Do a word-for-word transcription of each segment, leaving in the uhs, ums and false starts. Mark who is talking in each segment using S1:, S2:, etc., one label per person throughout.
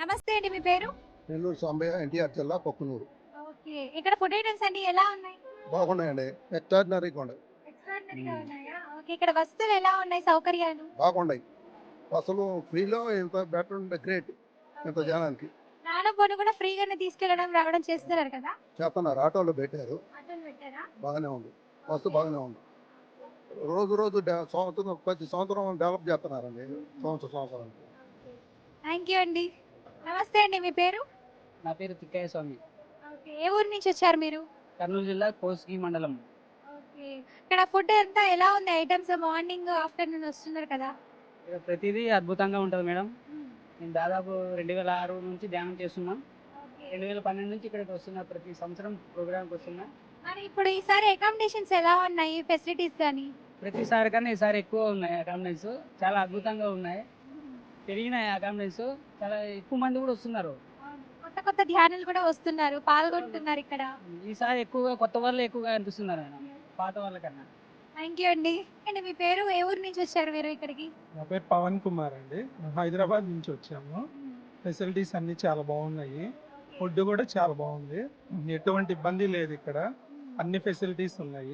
S1: నమస్తే అండి. మీ పేరు?
S2: నెల్లూరు సాంబయ్య, ఎన్టీఆర్ జిల్లా, పొక్కునూరు.
S1: ఓకే. ఇక్కడ ఫుడ్ ఐటెమ్స్ అన్నీ ఎలా ఉన్నాయి?
S2: బాగున్నాయండి. ఎక్స్ట్రాడినరీగా ఉన్నాయి.
S1: ఎక్స్ట్రార్డినరీగా
S2: హ్మ్.
S1: ఉన్నాయా? ఓకే. ఇక్కడ వసతులు ఎలా ఉన్నాయి? సౌకర్యాలు?
S2: బాగున్నాయి. అసలు ఫ్రీలో ఇంత బెటర్ ఉంటే గ్రేట్. ఇంత
S1: ఓకే.
S2: జనానికి.
S1: రాను పోను కూడా ఫ్రీగానే తీసుకెళ్ళడం, రావడం చేస్తున్నారు కదా!
S2: చేస్తున్నారు. ఆటోలో పెట్టారు.
S1: ఆటోలు పెట్టారా?
S2: బాగానే ఉంది. Bus
S1: okay.
S2: బాగానే ఉంది. రోజు రోజు డె సంవత్సరం ప్రతి సంవత్సరం డెవలప్ చేస్తున్నారండి. సంవత్సరం సంవత్సరానికి.
S1: ఓకే. థాంక్ యూ అండి. నమస్తే అండి. మీ పేరు?
S3: నా పేరు తిక్కయ్య స్వామి.
S1: ఓకే. ఏ ఊరు నుంచి వచ్చారు మీరు?
S3: కర్నూలు జిల్లా కోస్గి మండలం.
S1: ఓకే. ఇక్కడ ఫుడ్ అంతా ఎలా ఉంది? ఐటెమ్స్ మార్నింగ్, ఆఫ్టర్‌నూన్ వస్తున్నారు కదా!
S3: ఇక్కడ ప్రతిదీ అద్భుతంగా ఉంటది మేడం.
S1: హ్మ్.
S3: నేను దాదాపు రెండు వేల ఆరు నుంచి ధ్యానం చేస్తున్నా.
S1: ఓకే.
S3: రెండు వేల పన్నెండు నుంచి ఇక్కడికి వస్తున్నా. ప్రతి సంవత్సరం ప్రోగ్రామ్‌కి వస్తున్నా.
S1: మరి ఇప్పుడు ఈసారి అకామిడేషన్స్ ఎలా ఉన్నాయి? ఫెసిలిటీస్ గాని?
S3: ప్రతిసారి కన్నా ఈసారి ఎక్కువ ఉన్నాయి అకామిడేషన్స్. చాలా అద్భుతంగా ఉన్నాయి. పెరిగినాయి అకామిడేషన్స్. చాలా ఎక్కువ మంది కూడా వస్తున్నారు.
S1: అవును. కొత్త కొత్త ధ్యానులు కూడా వస్తున్నారు. పాల్గొంటున్నారు ఇక్కడ.
S3: ఈసారి ఎక్కువగా కొత్త వాళ్ళే ఎక్కువగా అనిపిస్తున్నారు మేడం. పాత వాళ్ళకన్నా.
S1: థ్యాంక్ యూ అండి. అండి మీ పేరు? ఏ ఊరు నుంచి వచ్చారు మీరు ఇక్కడికి?
S4: నా పేరు పవన్ కుమార్ అండి. హైదరాబాద్ నుంచి వచ్చాము. ఫెసిలిటీస్ అన్నీ చాలా బాగున్నాయి. ఫుడ్ కూడా చాలా బాగుంది. ఎటువంటి ఇబ్బంది లేదు ఇక్కడ. అన్ని ఫెసిలిటీస్ ఉన్నాయి.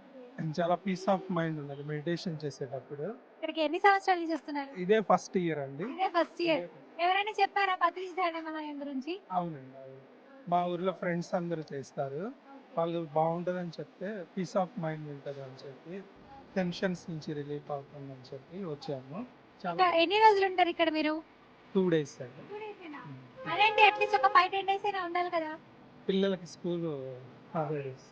S4: చాలా పీస్ ఆఫ్ మైండ్ ఉన్నది మెడిటేషన్ చేసేటప్పుడు.
S1: ఇక్కడికి ఎన్ని సంవత్సరాల నుంచి వస్తున్నారు?
S4: ఇదే ఫస్ట్ ఇయర్ అండి.
S1: ఇదే ఫస్ట్ ఇయర్. ఎవరైనా చెప్పారా పత్రిజీ ధ్యానమాలయం గురించి?
S4: అవునండి, అవును. మా ఊర్లో ఫ్రెండ్స్ అందరూ చేస్తారు. వాళ్ళు బాగుంటుందని చెప్తే పీస్ ఆఫ్ మైండ్ ఉంటుంది అని చెప్పి, టెన్షన్స్ నుంచి రిలీఫ్ అవుతుందని చెప్పి వచ్చాము. చాలా
S1: ఇంకా ఎన్ని రోజులు ఉంటారు ఇక్కడ మీరు?
S4: టూ డేస్ అండి.
S1: టూ డేసేనా? అదేంటి అట్లీస్ట్ ఒక ఫైవ్ టెన్ డేస్ అయినా ఉండాలి కదా!
S4: పిల్లలకి స్కూల్ హాలిడేస్.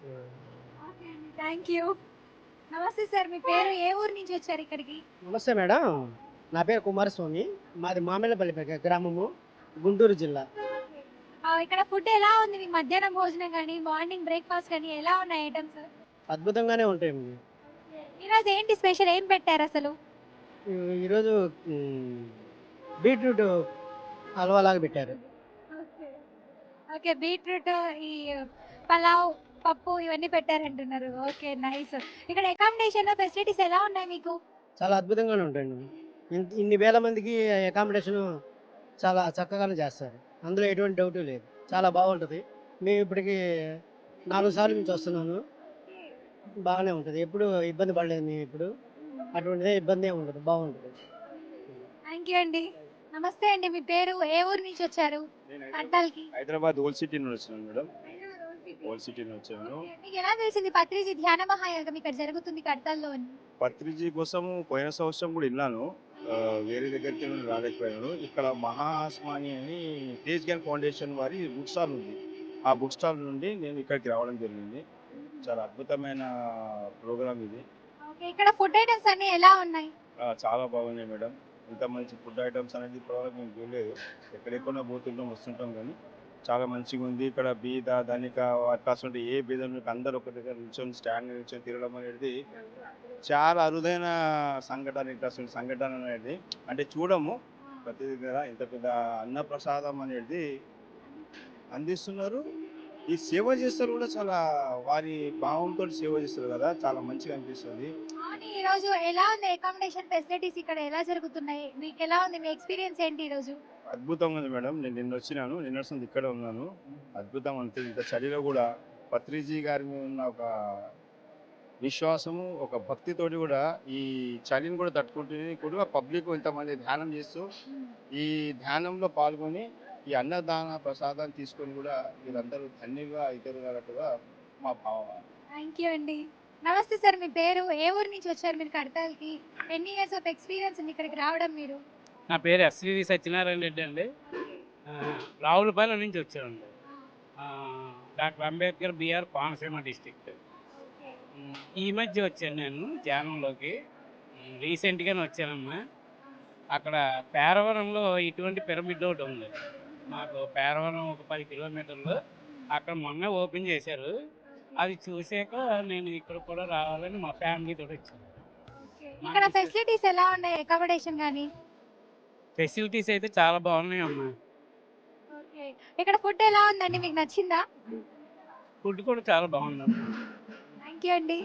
S1: ఓకే అండి. Thank you. నమస్తే సార్. మీ పేరు? ఏ ఊరు నుంచి వచ్చారు ఇక్కడికి?
S5: నమస్తే మేడం. నా పేరు కుమారస్వామి. మాది మామిళ్ళపల్లి ప- గ్రామము, గుంటూరు జిల్లా.
S1: ఆ, ఇక్కడ ఫుడ్ ఎలా ఉంది? మీకు మధ్యాహ్నం భోజనం కానీ, మార్నింగ్ బ్రేక్ఫాస్ట్ కానీ ఎలా ఉన్నాయి ఐటమ్స్?
S5: అద్భుతంగానే ఉంటాయి.
S1: ఈరోజు ఏంటి స్పెషల్? ఏం పెట్టారు అసలు?
S5: ఈ- ఈరోజు మ్, బీట్రూట్ హల్వా లాగా పెట్టారు.
S1: ఓకే. ఓకే. బీట్రూట్, ఈ పలావ్, పప్పు ఇవన్నీ పెట్టారంటున్నారు. ఓకే. నైస్. ఇక్కడ అకామిడేషన్ ఫెసిలిటీస్ ఎలా ఉన్నాయి మీకు?
S5: చాలా అద్భుతంగానే ఉంటాయండి. ఇన్- ఇన్ని వేల మందికి అకామిడేషన్ చాలా చక్కగానే చేస్తారు. అందులో ఎటువంటి డౌట్ లేదు. చాలా బాగుంటుంది. మేము ఇప్పటికి నాలుగు సార్లు నుంచి వస్తున్నాను. బాగానే ఉంటుంది. ఎప్పుడు ఇబ్బంది పడలేదు మేము ఇప్పుడు. అటువంటిదే ఇబ్బంది ఏమి ఉండదు. బాగుంటుంది.
S1: థ్యాంక్ యూ అండి. నమస్తే అండి. మీ పేరు? ఏ ఊరు నుంచి వచ్చారు? కట్టాల్కి.
S6: హైదరాబాద్ ఓల్డ్ సిటీ నుండి వచ్చినాను మేడం. ఓల్డ్ సిటీ నుంచి వచ్చాను.
S1: ఓకే. మీకు ఎలా తెలిసింది పత్రిజీ ధ్యాన మహాయాగం ఇక్కడ జరుగుతుంది కడతాల్లో అని?
S6: పత్రిజీ కోసం పోయిన సంవత్సరం కూడా విన్నాను. ఆ, వేరే దగ్గరికి నేను రాలేకపోయాను. ఇక్కడ మహాస్మాని అని తేజ్ గ్యాన్ ఫౌండేషన్ వారి బుక్ స్టాల్ ఉంది. ఆ బుక్ స్టాల్ నుండి నేను ఇక్కడికి రావడం జరిగింది. చాలా అద్భుతమైన ప్రోగ్రామ్ ఇది.
S1: ఓకే. ఇక్కడ ఫుడ్ ఐటమ్స్ అన్ని ఎలా ఉన్నాయి?
S6: ఆ, చాలా బాగున్నాయి మేడం. ఇంత మంచి ఫుడ్ ఐటమ్స్ అనేది ప్రోగ్రామ్ మేము చూడలేదు. ఎక్కడెక్కడ పోతుంటాం వస్తుంటాం కానీ చాలా మంచిగా ఉంది. ఇక్కడ బీద ధనిక అవకాశం ఉంటే ఏ బీద అందరూ ఒక దగ్గర నిల్చొని స్టాండ్ నిల్చొని తిరగడం అనేది చాలా అరుదైన సంఘటన. ఇట్లా అసలు సంఘటన అనేది అంటే చూడము ప్రతి దగ్గర ఇంత పెద్ద అన్న ప్రసాదం అనేది అందిస్తున్నారు. ఈ సేవ చేస్తారు కూడా చాలా వారి భావంతో సేవ చేస్తారు కదా, చాలా మంచిగా అనిపిస్తుంది.
S1: అవును. ఈ రోజు ఎలా ఉంది అకామిడేషన్ ఫెసిలిటీస్ ఇక్కడ ఎలా జరుగుతున్నాయి? మీకు ఎలా ఉంది? మీ ఎక్స్పీరియన్స్ ఏంటి ఈ రోజు?
S6: అద్భుతంగా ఉంది మేడం. నేను నిన్న వచ్చినాను, నిన్న వస్తుంది ఇక్కడ ఉన్నాను. అద్భుతం అంతే. ఇంత చలిలో కూడా పత్రిజీ గారి మీద ఉన్న ఒక విశ్వాసము, ఒక భక్తితోటి కూడా ఈ చలిని కూడా తట్టుకుంటుంది కూడా పబ్లిక్ ఇంతమంది ధ్యానం చేస్తూ ఈ ధ్యానంలో పాల్గొని ఈ అన్నదాన ప్రసాదాన్ని తీసుకొని కూడా వీళ్ళందరూ ధన్యంగా అవుతారున్నట్టుగా మా భావం.
S1: థ్యాంక్ యూ అండి. నమస్తే సార్. మీ పేరు? ఏ ఊరు నుంచి వచ్చారు మీరు కడతాల్కి? ఎన్ని ఇయర్స్ ఆఫ్ ఎక్స్పీరియన్స్ ఉంది ఇక్కడికి రావడం మీరు?
S3: నా పేరు ఎస్వి సత్యనారాయణ రెడ్డి అండి. ఆ, రావులపాలెం నుంచి వచ్చానండి. ఆ, doctor Ambedkar BR Konaseema district.
S1: Okay.
S3: Um, ఈ మధ్య వచ్చాను నేను ధ్యానంలోకి. ఉమ్, రీసెంట్గానే వచ్చానమ్మా. అక్కడ పేరవరంలో ఇటువంటి పిరమిడ్ ఒకటి ఉంది. మాకు పేరవరం ఒక పది కిలోమీటర్లు. అక్కడ మొన్న ఓపెన్ చేశారు. అది చూసాక నేను ఇక్కడ కూడా రావాలని మా ఫ్యామిలీతో వచ్చాను.
S1: ఓకే. ఇక్కడ ఫెసిలిటీస్ ఎలా ఉన్నాయి? అకామిడేషన్ కానీ?
S3: ఫెసిలిటీస్ అయితే చాలా బాగున్నాయి అమ్మా.
S1: ఓకే. ఇక్కడ ఫుడ్ ఎలా ఉందండి? మీకు నచ్చిందా?
S3: ఫుడ్ కూడా చాలా బాగుందమ్మా.
S1: థ్యాంక్ యూ అండి.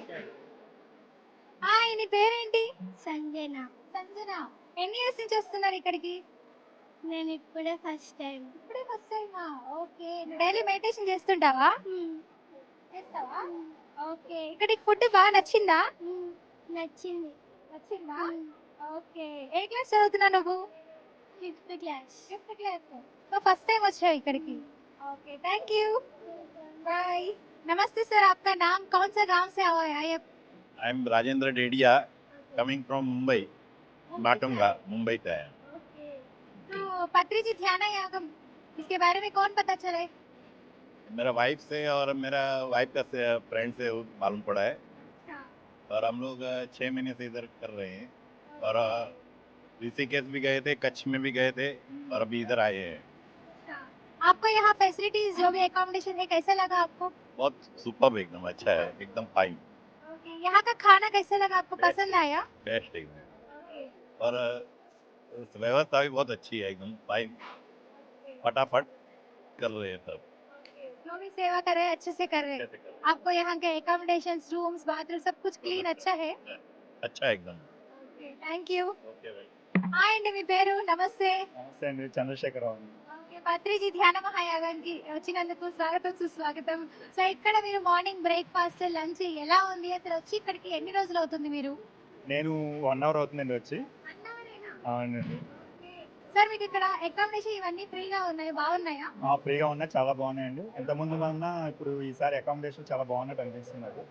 S1: హాయ్. నీ పేరేంటి? సంజన. సంజన. ఎన్ని ఇయర్స్ నుంచి వస్తున్నారు ఇక్కడికి?
S7: నేను ఇప్పుడే ఫస్ట్ టైం
S1: ఇప్పుడే ఫస్ట్ టైమా? ఓకే. నువ్వు డైలీ మెడిటేషన్ చేస్తుంటావా? చేస్తావా? ఓకే. ఇక్కడ ఫుడ్ బాగా నచ్చిందా?
S7: నచ్చింది.
S1: నచ్చిందా? ఓకే. ఏ క్లాస్ చదువుతున్నావు నువ్వు?
S7: Fifth class.
S1: Fifth class. So first time వచ్చావు ఇక్కడికి. ఓకే. Thank you. बाय. नमस्ते सर, आपका नाम कौन सा गांव से आए हैं?
S8: I am Rajendra Dedia, coming from Mumbai, Matunga, Mumbai से आया।
S1: ओके. तो पत्री जी ध्यान यागम इसके बारे में कौन पता चला है?
S8: मेरा वाइफ से और मेरा वाइफ का से फ्रेंड से मालूम पड़ा है
S1: हाँ.
S8: और हम लोग अ, छः महीने से इधर कर रहे हैं और अ, ऋषिकेश भी गए थे, कच्छ में भी गए थे और अभी इधर आए हैं।
S1: हाँ. आपको यहाँ फैसिलिटीज जो भी एकोमोडेशन है कैसा लगा आपको?
S8: बहुत सुपर एकदम अच्छा है, एकदम फाइन,
S1: ओके. यहाँ का खाना कैसा लगा आपको?
S8: Best.
S1: पसंद आया?
S8: बेस्ट एकदम।
S1: ओके.
S8: और अ, व्यवस्था भी बहुत अच्छी है, एकदम फाइन, फटाफट कर रहे हैं सब।
S1: जो भी सेवा कर रहे हैं अच्छे से कर रहे हैं.
S8: कैसे कर रहे
S1: आपको यहाँ के एकोमोडेशन, रूम्स, बाथरूम सब कुछ क्लीन अच्छा है?
S8: हैं? अच्छा है एकदम।
S1: Thank you.
S8: ओके भाई।
S1: హాయ్ అండి, మీ పేరు? నమస్తే.
S6: నమస్తే అండి, చంద్రశేఖరరావు అండి.
S1: ఓకే. పత్రిజీ ధ్యాన మహాయాగానికి వచ్చినందుకు స్వాగతం సుస్వాగతం. సో ఇక్కడ మీరు మార్నింగ్ బ్రేక్ఫాస్ట్ లంచ్ ఎలా ఉంది? అసలు వచ్చి ఇక్కడికి ఎన్ని రోజులు అవుతుంది మీరు?
S6: నేను వన్ అవర్ అవుతుందండి వచ్చి.
S1: అన్నవరేనా?
S6: అవునండి.
S1: ఓకే. సార్ మీకు ఇక్కడ అకామిడేషన్ ఇవన్నీ ఫ్రీగా ఉన్నాయి, బాగున్నాయా?
S6: ఆ, ఫ్రీగా ఉన్నాయి, చాలా బాగున్నాయండి. ఇంతకుముందు కన్నా ఇప్పుడు ఈసారి అకామిడేషన్ చాలా బాగున్నట్టు అనిపిస్తుంది నాకు.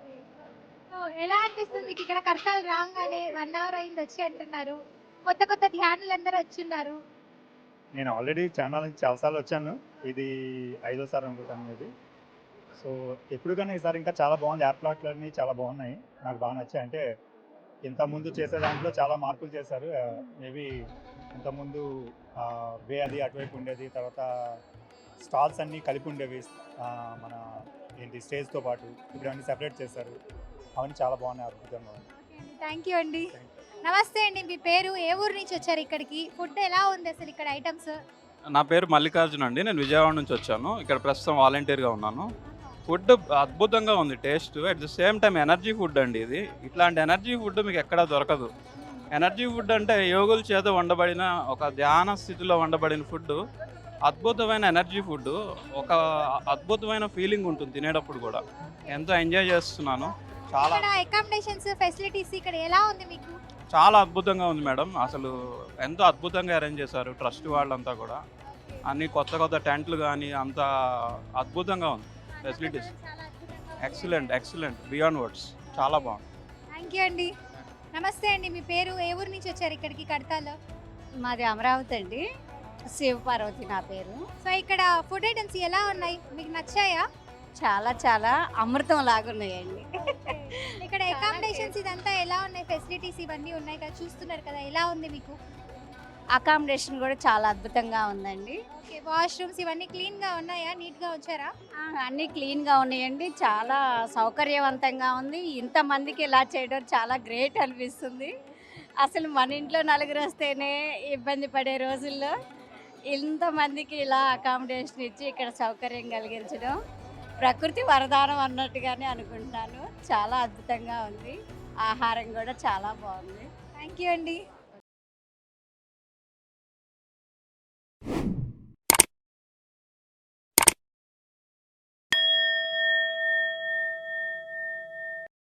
S1: సో ఎలా అనిపిస్తుంది మీకు ఇక్కడ కర్తాలు రాగానే? వన్ అవర్ అయింది వచ్చి అంటున్నారు. కొత్త కొత్త ధ్యానులు అందరూ వచ్చున్నారు.
S6: నేను ఆల్రెడీ ఛానల్ నుంచి చాలాసార్లు వచ్చాను, ఇది ఐదోసారి అనుకుంటాను ఇది. సో ఎప్పుడు కన్నా ఈసారి ఇంకా చాలా బాగుంది. ఏర్పాట్లు అన్నీ చాలా బాగున్నాయి, నాకు బాగా నచ్చాయి. అంటే ఇంతకుముందు చేసే దాంట్లో చాలా మార్పులు చేశారు. మేబీ ఇంతకుముందు వే అది అటువైపు ఉండేది, తర్వాత స్టాల్స్ అన్నీ కలిపి ఉండేవి ఆ, మన ఏంటి స్టేజ్తో పాటు. ఇప్పుడు అన్నీ సెపరేట్ చేశారు, అవన్నీ చాలా బాగున్నాయి, అద్భుతంగా ఉంది.
S1: థ్యాంక్ యూ అండి. నమస్తే అండి, మీ పేరు? ఏ ఊరు నుంచి వచ్చారు ఇక్కడికి? ఫుడ్ ఎలా ఉంది అసలు ఇక్కడ ఐటమ్స్?
S9: నా పేరు మల్లికార్జున్ అండి, నేను విజయవాడ నుంచి వచ్చాను. ఇక్కడ ప్రస్తుతం వాలంటీర్గా ఉన్నాను. ఫుడ్ అద్భుతంగా ఉంది, taste at the same time energy food అండి ఇది. ఇట్లాంటి ఎనర్జీ ఫుడ్ మీకు ఎక్కడా దొరకదు. ఎనర్జీ ఫుడ్ అంటే యోగుల చేత వండబడిన, ఒక ధ్యాన స్థితిలో వండబడిన ఫుడ్, అద్భుతమైన ఎనర్జీ ఫుడ్. ఒక అద్భుతమైన ఫీలింగ్ ఉంటుంది తినేటప్పుడు కూడా. ఎంతో ఎంజాయ్ చేస్తున్నాను. చాలా
S1: ఇక్కడ అకామిడేషన్స్ ఫెసిలిటీస్ ఇక్కడ ఎలా ఉంది మీకు?
S9: చాలా అద్భుతంగా ఉంది మేడం. అసలు ఎంతో అద్భుతంగా అరేంజ్ చేశారు ట్రస్ట్ వాళ్ళంతా కూడా. అన్ని కొత్త కొత్త టెంట్లు కానీ అంత అద్భుతంగా ఉంది. Facilities excellent excellent beyond words, చాలా బాగుంది.
S1: థ్యాంక్ యూ అండి. నమస్తే అండి, మీ పేరు? ఏ ఊరు నుంచి వచ్చారు ఇక్కడికి కడతాలో?
S10: మాది అమరావతి అండి, శివపార్వతి నా పేరు.
S1: సో ఇక్కడ ఫుడ్ ఐటమ్స్ ఎలా ఉన్నాయి, మీకు నచ్చాయా?
S10: చాలా చాలా అమృతం లాగున్నాయండి.
S1: ఇక్కడ అకామిడేషన్స్ ఇదంతా ఎలా ఉన్నాయి? ఫెసిలిటీస్ ఇవన్నీ ఉన్నాయి కదా, చూస్తున్నారు కదా, ఎలా ఉంది మీకు?
S10: అకామిడేషన్ కూడా చాలా అద్భుతంగా ఉందండి.
S1: ఓకే. వాష్రూమ్స్ ఇవన్నీ క్లీన్ గా ఉన్నాయా? నీట్ గా ఉంచారా?
S10: ఆ, అన్నీ క్లీన్గా ఉన్నాయండి, చాలా సౌకర్యవంతంగా ఉంది. ఇంతమందికి ఇలా చేయడం చాలా గ్రేట్ అనిపిస్తుంది. అసలు మన ఇంట్లో నలుగురు వస్తేనే ఇబ్బంది పడే రోజుల్లో ఇంతమందికి ఇలా అకామిడేషన్ ఇచ్చి ఇక్కడ సౌకర్యం కలిగించడం ప్రకృతి వరదానం అన్నట్టుగానే అనుకుంటున్నాను. చాలా అద్భుతంగా ఉంది, ఆహారం కూడా చాలా బాగుంది.
S1: థ్యాంక్ యూ అండి.